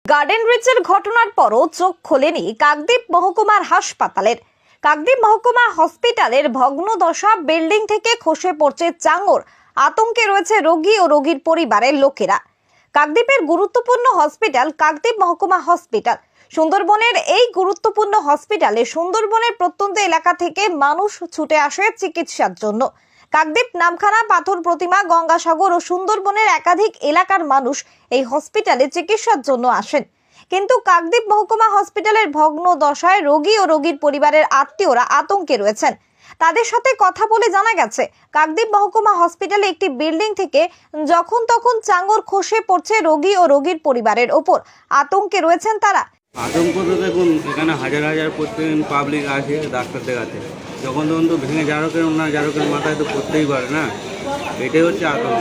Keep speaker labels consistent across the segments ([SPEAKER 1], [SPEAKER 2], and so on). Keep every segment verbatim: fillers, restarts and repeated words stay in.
[SPEAKER 1] Garden রিচের ঘটনার পরও চোখ খোলেনি কাকদ্বীপ মহকুমার হাসপাতালের। কাকদ্বীপ মহকুমা হসপিটালের ভগ্নদশা বিল্ডিং থেকে খসে পড়ছে চাঙর। আতঙ্কে রয়েছে রোগী ও রোগীর পরিবারের লোকেরা। কাকদ্বীপের গুরুত্বপূর্ণ হসপিটাল কাকদ্বীপ মহকুমা হসপিটাল। সুন্দরবনের এই গুরুত্বপূর্ণ হসপিটালে সুন্দরবনের প্রত্যন্ত এলাকা থেকে মানুষ ছুটে আসে চিকিৎসার জন্য। কাকদ্বীপ, নামখানা, পাথর প্রতিমা, গঙ্গাসাগর ও সুন্দরবনের একাধিক এলাকার মানুষ এই হসপিটালে চিকিৎসার জন্য আসেন। কিন্তু কাকদ্বীপ মহকুমা হসপিটালের ভগ্ন দশায় রোগী ও রোগীর পরিবারের আত্মীয়রা আতঙ্কে রয়েছেন। তাদের সাথে কথা বলে জানা গেছে, কাকদ্বীপ মহকুমা হসপিটালে একটি বিল্ডিং থেকে যখন তখন চাঙর খসে পড়ছে রোগী ও রোগীর পরিবারের ওপর। আতঙ্কে রয়েছেন তারা।
[SPEAKER 2] আতঙ্ক তো দেখুন, এখানে হাজার হাজার প্রত্যেকদিন পাবলিক আসে ডাক্তার দেখাতে, যখন তখন তো ভেঙে জারকের না জারকের মাথায় তো পড়তেই পারে না, এটাই হচ্ছে আতঙ্ক।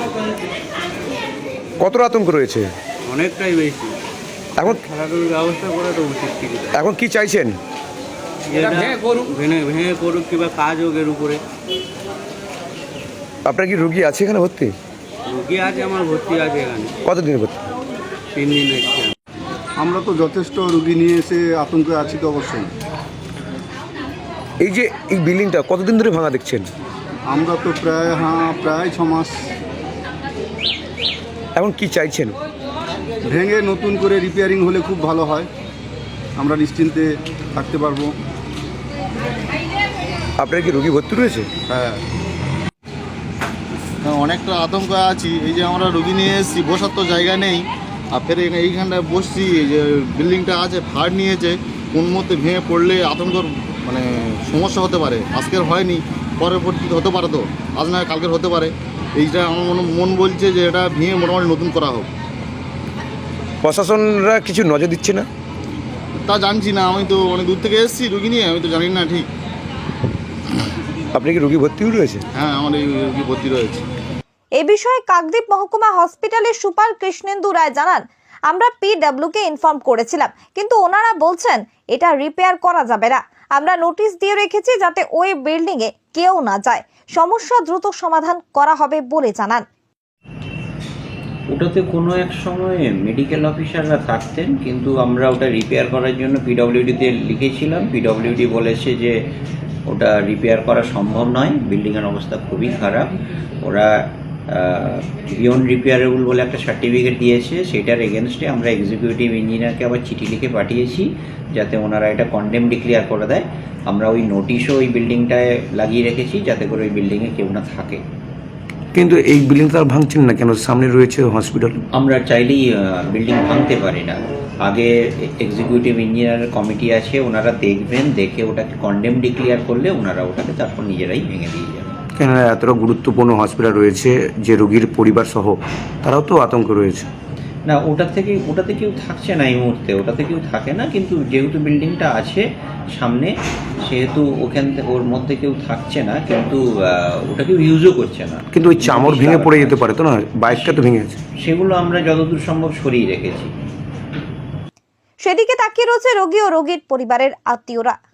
[SPEAKER 3] কত আতঙ্ক রয়েছে?
[SPEAKER 2] অনেকটাই বেশি।
[SPEAKER 3] এখন
[SPEAKER 2] খেলাধুলার ব্যবস্থা করা তো উচিত।
[SPEAKER 3] এখন কি চাইছেন?
[SPEAKER 2] ভেঙে ভেঙে করুক কিংবা কাজ হোক এর উপরে।
[SPEAKER 3] আপনার কি রোগী আছে এখানে ভর্তি?
[SPEAKER 2] রোগী আছে, আমার ভর্তি আছে এখানে।
[SPEAKER 3] কতদিন ভর্তি?
[SPEAKER 2] তিন দিন এসছি।
[SPEAKER 4] আমরা তো যথেষ্ট রোগী নিয়ে এসে আতঙ্কে আছি তো অবশ্যই।
[SPEAKER 3] এই যে এই বিল্ডিংটা কতদিন ধরে ভাঙা দেখছেন?
[SPEAKER 4] আমরা তো প্রায় হ্যাঁ প্রায় ছ মাস।
[SPEAKER 3] এখন কি চাইছেন?
[SPEAKER 4] ভেঙে নতুন করে রিপেয়ারিং হলে খুব ভালো হয়, আমরা নিশ্চিন্তে থাকতে পারবো।
[SPEAKER 3] আপনার কি রোগী ভর্তি রয়েছে?
[SPEAKER 4] হ্যাঁ,
[SPEAKER 5] অনেকটা আতঙ্ক আছি। এই যে আমরা রোগী নিয়ে এসেছি, বসার তো জায়গা নেই, আর ফের এইখানটায় বসছি। যে বিল্ডিংটা আছে ফাড় নিয়েছে, কোন মধ্যে ভেঙে পড়লে আতঙ্কর মানে সমস্যা হতে পারে। আজকের হয়নি, পরবর্তীতে হতে পারে, তো আজ নয় কালকের হতে পারে। এইটা আমার মনে মন বলছে যে এটা ভেঙে মোটামুটি নতুন করা হোক।
[SPEAKER 3] প্রশাসনরা কিছু নজর দিচ্ছে না?
[SPEAKER 5] তা জানছি না, আমি তো অনেক দূর থেকে এসেছি রুগী নিয়ে, আমি তো জানি না ঠিক।
[SPEAKER 3] আপনি কি রোগী ভর্তিও রয়েছে?
[SPEAKER 5] হ্যাঁ, আমার এই রুগী ভর্তি রয়েছে।
[SPEAKER 1] এ বিষয়ে কাকদ্বীপ মহকুমা হসপিটালের সুপার কৃষ্ণেন্দু রায় জানান, আমরা পিডব্লিউ কে ইনফর্ম করেছিলাম, কিন্তু ওনারা বলছেন এটা রিপেয়ার করা যাবে না। আমরা নোটিশ দিয়ে রেখেছি যাতে ওই বিল্ডিং এ কেউ না যায়। সমস্যা দ্রুত সমাধান করা হবে বলে জানান।
[SPEAKER 6] ওটাতে কোনো এক সময় মেডিকেল অফিসাররা থাকতেন, কিন্তু আমরা ওটা রিপেয়ার করার জন্য পিডব্লিউডিতে লিখেছিলাম। পিডব্লিউডি বলেছে যে ওটা রিপেয়ার করা সম্ভব নয়, বিল্ডিংয়ের অবস্থা খুবই খারাপ। ওরা বিয়ন্ড রিপেয়ারেবল বলে একটা সার্টিফিকেট দিয়েছে, সেটার এগেনস্টে আমরা এক্সিকিউটিভ ইঞ্জিনিয়ারকে আবার চিঠি লিখে পাঠিয়েছি যাতে ওনারা এটা কন্ডেম ডিক্লেয়ার করে দেয়। আমরা ওই নোটিশও ওই বিল্ডিংটায় লাগিয়ে রেখেছি যাতে করে ওই বিল্ডিংয়ে কেউ না থাকে।
[SPEAKER 3] কিন্তু এই বিল্ডিংটা আর ভাঙছেন না কেন? সামনে রয়েছে হসপিটাল।
[SPEAKER 6] আমরা চাইলেই বিল্ডিং ভাঙতে পারি না। আগে এক্সিকিউটিভ ইঞ্জিনিয়ারের কমিটি আছে, ওনারা দেখবেন, দেখে ওটাকে কন্ডেম ডিক্লেয়ার করলে ওনারা ওটাকে তারপর নিজেরাই ভেঙে দিয়ে যাবেন।
[SPEAKER 3] কেন এতটা গুরুত্বপূর্ণ হসপিটাল রয়েছে যে রোগীর পরিবার সহ তারাও তো আতঙ্ক রয়েছে।
[SPEAKER 6] না, ওটা থেকে ওটাতে কেউ থাকছে না এই মুহূর্তে, ওটাতে কেউ থাকে না। কিন্তু যেহেতু বিল্ডিংটা আছে সামনে, সেহেতু ওখান থেকে ওর মধ্যে কেউ থাকছে না, কিন্তু ওটা কেউ ইউজও করছে না।
[SPEAKER 3] কিন্তু ওই চামড় ভেঙে পড়ে যেতে পারে তো না? বাইকটা তো ভেঙে গেছে।
[SPEAKER 6] সেগুলো আমরা যতদূর সম্ভব সরিয়ে রেখেছি।
[SPEAKER 1] সেদিকে তাকিয়ে রয়েছে রোগী ও রোগীর পরিবারের আত্মীয়রা।